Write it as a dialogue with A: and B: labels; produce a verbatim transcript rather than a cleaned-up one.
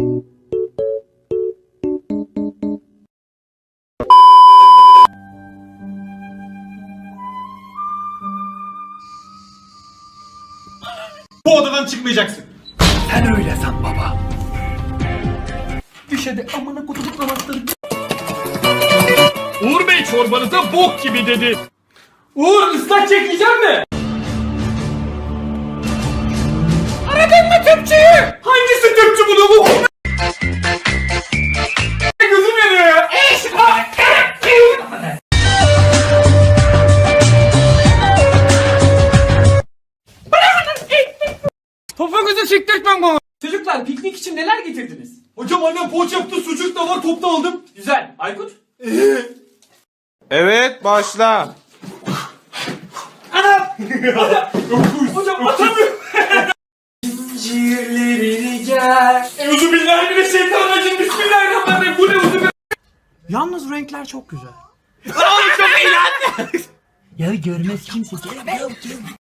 A: Bu odadan çıkmayacaksın.
B: Sen öyle san baba.
A: Düş hadi amına kutup namazları.
B: Uğur Bey çorbanıza bok gibi dedi.
A: Uğur ıslak çekmeyecek mi? Aradın mı tüpçüyü? Hangisi tüpçü bunu bu? Gözüm yanıyor ya. Topuğunuzu siktirtmem bana. Çocuklar piknik için neler getirdiniz? Hocam annem poğaça yaptı, sucuk da var, top da aldım. Güzel. Aykut?
C: Evet, başla.
A: Anam! Hocam atamıyorum. Zincirlerini gel. Euzubillahimineşşeytanirracim. Bismillahirrahmanirrahim. Bu ne uzun?
B: Yalnız renkler çok güzel.
A: Oğlum çok iyi lan.
B: Ya görmez kimse.